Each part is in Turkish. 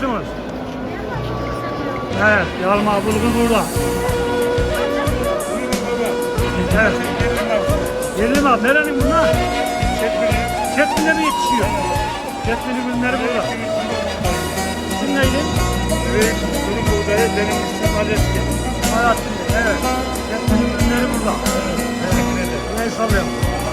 satıyorsunuz? Evet, yalma bulgur burada. Evet. Yerli mal. Nerenin bunlar? Çetmine mi yetişiyor? Çetmini ürünleri burada. İsim neydi? Evet, durum buğdayı, benim ismim Aleski. Hayatım. Evet. Çetmini ürünleri burada. Ne sallıyorum?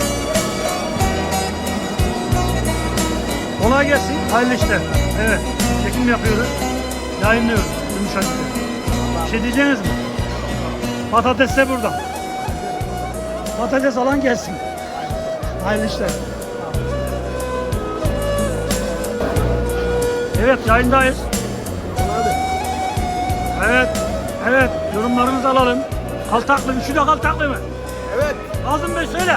Kolay gelsin. Hayırlı işler. Evet. Çekim yapıyoruz. Yayınlıyoruz. Yumuşacık. Bir şey diyeceğiniz mi? Patates de burada. Patates alan gelsin. Hayırlı işler. Evet, yayındayız. Evet, evet. Yorumlarınızı alalım. Kaltaklı, üçü de kaltaklı mı? Evet, Nazım Bey söyle.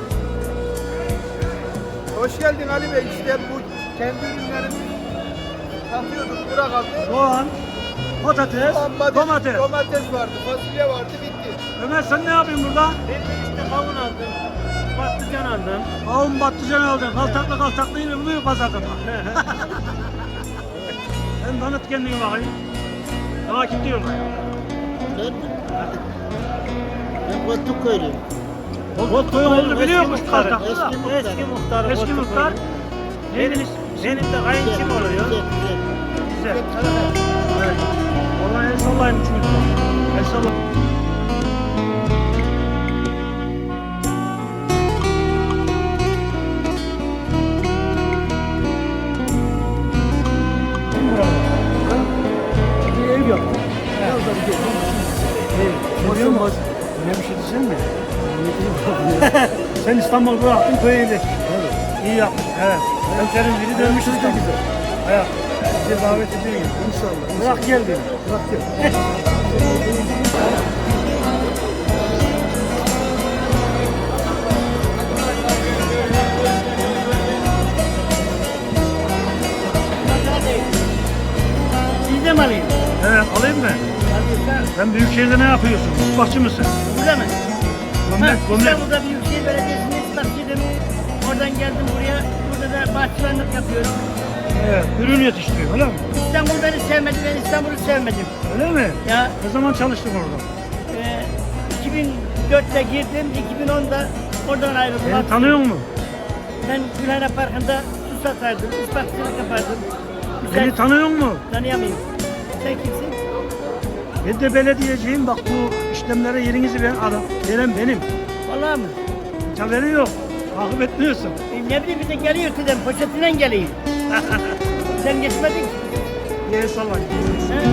hoş geldin Ali Bey. İşte bu kendi ürünlerimizi satıyorduk, bura kaldı. Soğan, patates, domates. Domates vardı, fasulye vardı, bitti. Ömer sen ne yapıyorsun burada? Ben işte kavun aldım, patlıcan aldım. Kavun patlıcan aldın. Kaltaklı kaltaklı yine buluyor pazarda. Sen tanıt kendini bakayım. Daha kim diyorlar? Ben Kotuk köylüyüm. Bot koyun oldu biliyormuş muhtarı, kaltaklı da. Eski muhtarı. Eski Kotuk muhtar. Benim, Neydiniz? benim de kayınçım oluyor. Güzel. Evet. Vallahi el sallayın üçümüz. El sallayın. Bir ev yaptım. Biraz da bir görüyor musun? Ne bir şey diyeceksin mi? Sen İstanbul'u bıraktın köye yerleştin. Evet. İyi yaptın. Evet. Hemşerim biri dönmüş İstanbul'a. Evet. Bize davet ediyor. İnşallah. Bırak gel beni. Bırak gel. Siz de mi alayım? Evet alayım mı? Sen Büyükşehir'de ne yapıyorsun? Mutfakçı mısın? Burada mı? Gömlek, gömlek. İstanbul'da Büyükşehir Belediyesi'nde istasyonum. Oradan geldim buraya. Burada da bahçıvanlık yapıyorum. Evet, ürün yetiştiriyor öyle mi? İstanbul beni sevmedi, ben İstanbul'u sevmedim. Öyle mi? Ya Ne zaman çalıştın orada? 2004'te girdim, 2010'da oradan ayrıldım. Beni tanıyor musun? Ben Gülhane Parkı'nda su satardım, ispatçılık yapardım. Beni tanıyor musun? Tanıyamıyorum. Sen kimsin? Ben de belediyeciyim. Bak bu işlemlere yerinizi veren benim. Vallahi mı? Hiç haberi yok. Takip etmiyorsun. Ne bileyim bir de geliyor dedem, poşetiyle geliyor. Sen geçmedin ki. Ye sallayın. Ha?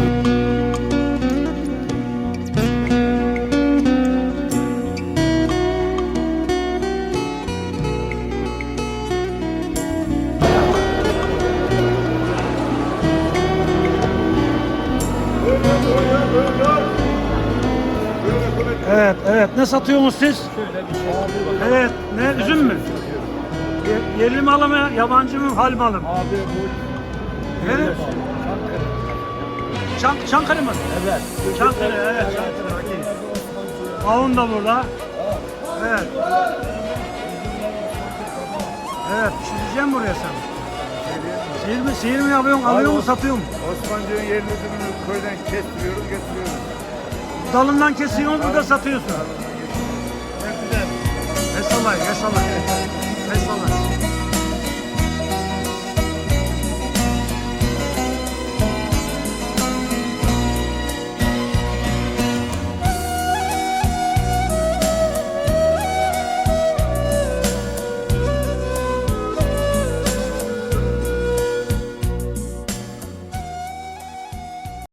Evet, evet. Ne satıyorsunuz siz? Evet, ne? Üzüm mü? Yerli malı mı, yabancı mı, hal malı mı? Abi bu Evet. Çankırı mı? Evet. Çankırı, evet Çankırı. Okey. Kavun da burada. Evet. Evet, pişireceğim buraya sen. Sihir mi yapıyorsun, alıyor mu, satıyor mu? Osmancı'nın yerli üzümünü köyden kestiriyoruz, getiriyoruz. Dalından kesiyorsun, burada satıyorsun. Çok güzel. El sallayın, el sallayın. El sallayın.